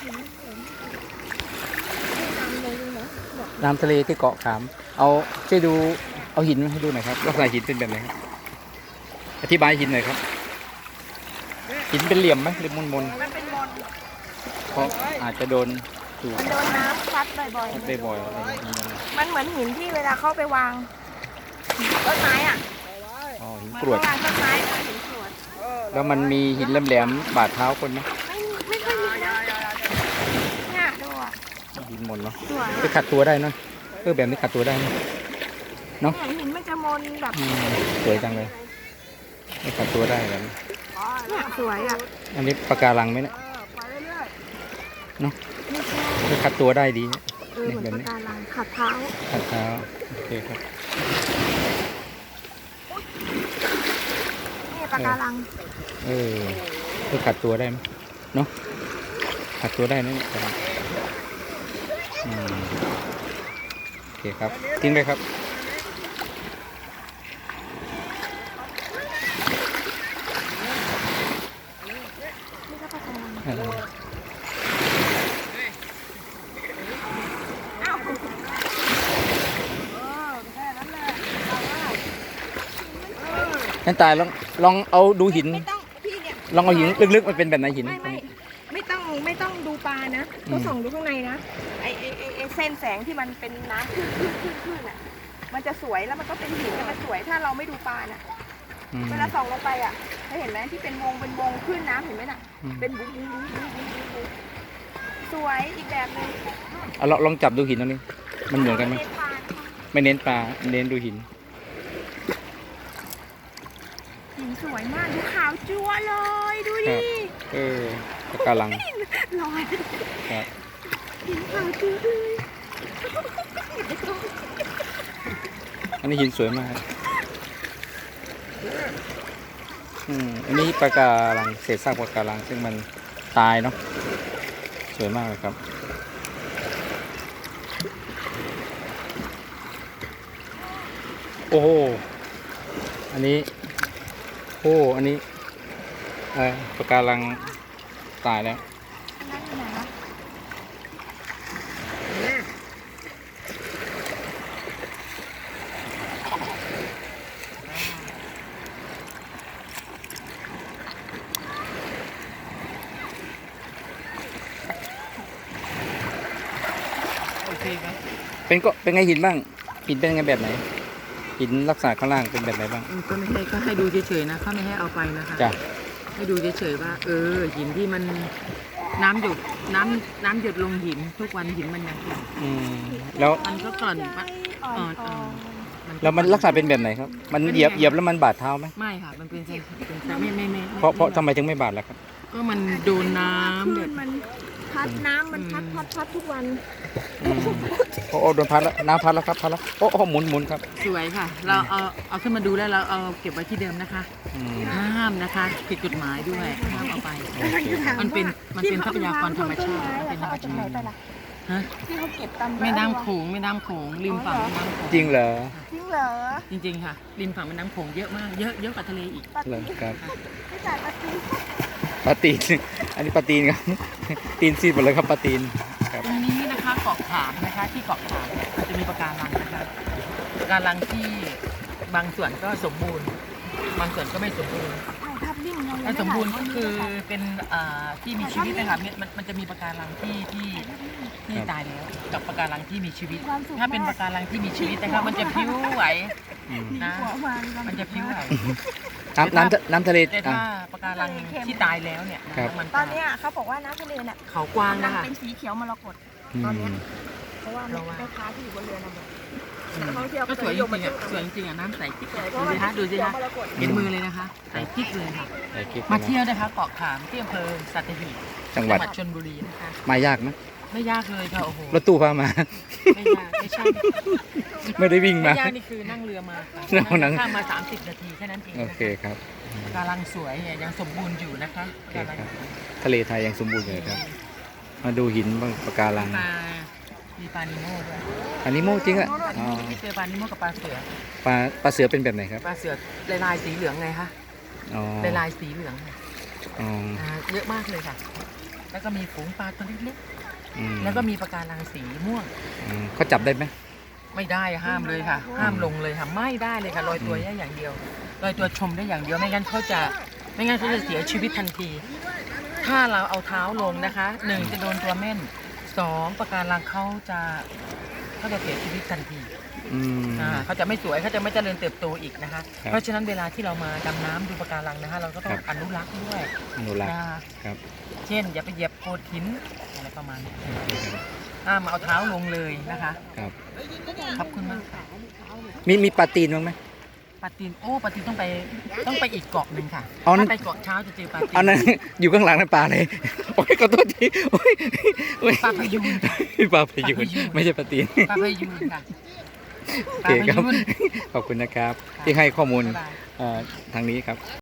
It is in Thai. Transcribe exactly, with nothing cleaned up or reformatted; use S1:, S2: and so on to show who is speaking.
S1: น้ำทะเลที่เกาะขามเอาช่วยดูเอาหินให้ดูหน่อยครับลักษณะหินเป็นแบบไหนครับอธิบายหินหน่อยครับหินเป็นเหลี่ยมไหมหรือมนมน
S2: มันเป็นมน
S1: เพราะอาจจะโดนถูก
S2: มันโดนน้ำซัดบ่อย
S1: ได้บ่อยอะไรอย่างนี้นะ
S2: ๆมันเหมือนหินที่เวลาเข้าไปวางต้นไม้อ่ะ
S1: อ๋อหิน
S2: เหมือน
S1: กรวด
S2: เขาวางต้นไม้เป็นหินกรวด
S1: แล้วมันมีหินแหลมๆบาดเท้าคนไหม
S2: ไม่ไม่ค่อยมีนะเนี่ยดูอ่ะ
S1: หินมนเนาะ
S2: สวย
S1: ไปขัดตัวได้เนาะเออแบบนี้ขัดตัวได้เนาะ เนอะ
S2: เนี่ยหินมันจะมนแบบ
S1: อืมสวยจังเลยไม่ขัดตัวได้แบบนี้
S2: เนี่ยสวยอ่ะ
S1: อันนี้ปะการังไหมเนี่ยเนาะไม่ขัดตัวได้ดี
S2: เออเหมือนปะการังขัดเท้า
S1: ขัดเท้าโอเคครับ
S2: นี่ปะการัง
S1: เออเพื่อขัดตัวได้ไหมเนาะขัดตัวได้นะเนี่ยอืมโอเคครับทิ้งไปครับ
S2: นี่ก็ปะการัง
S1: เออ
S2: อ้าว
S1: นั่นตายลองลองเอาดูหิน
S2: ไม่ต้องพี่เนี่ย
S1: ลองเอาหินลึกๆมันเป็นแบบไหนหิน
S2: ไม่ไม่ไม่ต้องไม่ต้องดูปลานะต้องส่องดูข้างในนะไอไอไอไอเส้นแสงที่มันเป็นน้ำขึ้นขึ้นขึ้นขึ้นอ่ะมันจะสวยแล้วมันก็เป็นหินแต่มันสวยถ้าเราไม่ดูปลาน่ะ
S1: อืม
S2: เวลาส่องลงไปอ่ะเคยเห็นไหมที่เป็นวงเป็นวงขึ้นน้ำเห็นไหมน่ะ
S1: อืม
S2: เป็นบุ้งบุ้งบุ้งบุ้งบุ้งบุ้งบุ้งสวยอีกแบบหนึง
S1: เอาลองลองจับดูหินตรงนี้มันเหมือนกันไหม
S2: ปลานะคะ
S1: ไม่เน้นปลาเน้นดูหิน
S2: หินสวยมากดูขาวจั๊วเลยดู
S1: ครั
S2: ดิ
S1: บ เออปะการัง
S2: ลอย
S1: ครับ
S2: หินขาวจั๊วเลย
S1: อันนี้หินสวยมากอืมอันนี้ปะการังเศษซากปะการังซึ่งมันตายเนาะสวยมากเลยครับโอ้โหอันนี้โอ้อันนี้เออปะการังตายแล้ว
S2: นั่นอยู่ไหนวะ
S1: เป็นก็เป็นไงหินบ้างหินเป็นไงแบบไหนหินลักษณะข้างล่างเป็นแบบไหนบ้าง
S3: อืมก็ไม่ให้ก็ให้ดูเฉยๆนะเขาไม่ให้เอาไปนะคะ
S1: จ้ะ
S3: ให้ดูเฉยๆว่า เออหินที่มันน้ำหยดน้ำน้ำหยดลงหินทุกวันหินมันยังแข็ง
S1: อืมแล้ว
S3: มันก็กร่อนปะ
S2: อ่อน
S3: อ่อน
S2: อ่อน
S3: ๆ
S1: แล้วมันลักษณะเป็นแบบไหนครับ มันเหยียบเหยียบแล้วมันบาดเท้าไหม
S3: ไม่ค่ะ มันเป็นเส้นเป็นเส้นไม่ไม่ไม่
S1: เพราะเพราะทำไมถึงไม่บาดล่ะครับ
S3: ก็มันโดนน้ำ
S2: คลื่
S3: เดือน ด
S2: มันพัดน้ำมันพัดพัดพัดทุกวัน
S1: อืมโอ้โอ้โดนพัดแล้วน้ำพัดแล้วครับพัดแล้วโอ้โอ้หมุนหมุนครับ
S3: สวยค่ะ เราเอาเอาขึ้นมาดูแล้วเราเอาเก็บไว้ที่เดิมนะคะ
S1: อืม
S3: ห้ามนะคะผิดกฎหมายด้วยห้ามเอาไป
S1: โอเคครับ
S3: มันเป็นมันเป็นทรัพยากรธรรมชาติมันเป็นธรรม
S2: เอาจากไหน
S3: ชาติ
S2: ไปล่ะ
S3: ฮะ
S2: ที่เขาเก็บตาม
S3: แม่น้ำโขงแม่น้ำโขงริมฝั่งแม่น้ำโขง
S1: จริงเหรอ
S2: จริงเหรอ
S3: จริงๆค่ะริมฝั่งแม่น้ำโขงเยอะมากเยอะเยอะกว่าทะเลอีก
S2: ปลา
S1: เหร
S2: ตี
S1: อครับ
S2: ไม่จ่ายปลาตี
S1: ปลาตีน อันนี้ปลาตีนครับ ตีนซีดหมดเลยครับปลาตีนครับ
S3: ตรงนี้นะคะเกาะขามนะคะที่เกาะขามจะมีปะการังนะคะปะการังที่บางส่วนก็สมบูรณ์ บางส่วนก็ไม่สมบูรณ์
S2: ถ่ายภาพนิ่งเรายัง
S3: ถ้า
S2: ไม่
S3: สมบูรณ์
S2: ถ่าย
S3: ก็คือเป็นอ่าที่มีชีวิตนะคะมันมันมันจะมีปะการังที่ที่ที่ตายแล้วกับปะการังที่มีชีวิต
S2: ความสุข
S3: ถ้าเป็นปะการังที่มีชีวิตนะคะมันจะพลิ้วไหว
S1: อืม
S3: นะ
S2: หัววาง
S3: มันจะพลิ้วไหว
S1: น้ำน้ำทะน้ำทะเล
S3: แต่
S1: อ่ะ
S3: ถ้าปะการังที่ตายแล้วเนี่ย
S1: ครับ
S3: มัน
S2: ตอนเนี้ยเขาบอกว่าน้ำทะเลน่ะ
S3: เขากว้าง
S2: กำลั
S3: นะ
S2: ง
S3: คะ
S2: เป็นสีเขียวมรกต
S1: อืม
S2: ตอนเนี้ย เพราะว่า
S3: เพราะว่า
S2: แม่ค้าที่อยู่บนเรือนะบอก
S3: อืม
S2: นักท่องเที่ยว
S3: ก็สวยจ
S2: นิม
S3: ริงๆอ่ะ
S2: มา
S3: สวยจริงๆอ่ะน้ำใสกิ๊ก
S2: สวยเพ
S3: ดู
S2: ราะว่า
S3: สิคะดูสิ
S2: เขียว
S3: คะ
S2: มรกต
S3: เห็นมือเลยนะคะใสกิ๊กเลยค่ะ
S1: ใส่คลิป
S3: มาเที่ยวนะคะเกาะขามที่อำเภอสัตหีบ
S1: จังหวัด
S3: ชลบุรีนะคะ
S1: มายากไหม
S3: ไม่ยากเลยค่ะโอ้โห
S1: รถตู้พามา
S3: ไม่ยากไม่ใช่
S1: ไม่ได้วิ่ง
S3: ไม่
S1: มา
S3: ยากนี่คือนั่งเรือมาค่ะ
S1: นั่งนั่ง
S3: ข้ามมาสามสิบนาทีแค่นั้นเอง
S1: โอ
S3: นะ
S1: เค
S3: คะ
S1: ครับ
S3: กำลังสวยเนี่ยยังสมบูรณ์อยู่นะคะ
S1: โอเค
S3: กำลัง
S1: ครับ ทะเลไทยยังสมบูรณ์อยู่ครับ มาดูหินบ้างปะการัง
S3: ปลามีปลานิโม่ด้วย
S1: อันนี้โมจริงอ่ะ
S3: ปลานิ
S1: อ๋อ
S3: โม่ที่เจอปลานิโม่กับปลาเสือ
S1: ปลาปลาเสือเป็นแบบไหนครับ
S3: ปลาเสือลายลายสีเหลืองไงคะ
S1: อ๋อ
S3: ลายลายสีเหลืองค่ะ
S1: อ๋อ
S3: อ่าเยอะมากเลยค่ะแล้วก็มีฝูงปลาตัวเล็ก
S1: อืม
S3: ๆแล้วก็มีปะการังสีม่วง
S1: อืมเขาจับได้ไหม
S3: ไม่ได้ห้ามเลยค่ะ ห้ามลงเลยค่ะไม่ได้เลยค่ะลอยตัวได้อย่างเดียวลอยตัวชมได้อย่างเดียวไม่งั้นเขาจะไม่งั้นเขาจะเสียชีวิตทันที ถ้าเราเอาเท้าลงนะคะหนึ่งจะโดนตัวเม่นสองปะการังเขาจะเขาจะเสียชีวิตทันที
S1: อืม
S3: อ่าเขาจะไม่สวยเขาจะไม่เจริญเติบโตอีกนะคะ
S1: ครับ
S3: เพราะฉะนั้นเวลาที่เรามาดำน้ำดูปะการังนะคะเราก็ต้อ
S1: ค
S3: ง
S1: รับ
S3: อนุรักษ์ด้วย
S1: อนุรักษ์
S3: นะคะ
S1: ครับ
S3: เช่น อย่าไปเหยียบโขดหินอะไรประมาณนี้ห้ามเอาเท้าลงเลยนะคะ
S1: ครับ
S3: ขอบคุณมากค่ะ
S1: มีมีปลาตีนบ้างไหม
S3: ปาตีนโอ้ปาตีนต้องไปต้องไปอีกเกาะหนึ่งค่ะ
S1: เอานั่น
S3: ถ้าไปเกาะเช้าจะเจอปาตี
S1: เอานั้น อยู่ข้างหลังนั่นปลาเลยโอ้ยขอโทษทีโอ้ยโอ้ย
S3: ปลาพยูน
S1: ปลาพยู
S3: ปลาพ
S1: น
S3: ยูน
S1: ไม่ใช่ปลาตีน
S3: ปลาพยูนค่ะ
S1: โอ
S3: ปลา
S1: เค
S3: พ
S1: ครับ
S3: ยูน
S1: ขอบคุณนะครับ ที่ให้ข้อมูล
S3: บ๊ายบาย
S1: เอ่อทางนี้ครับ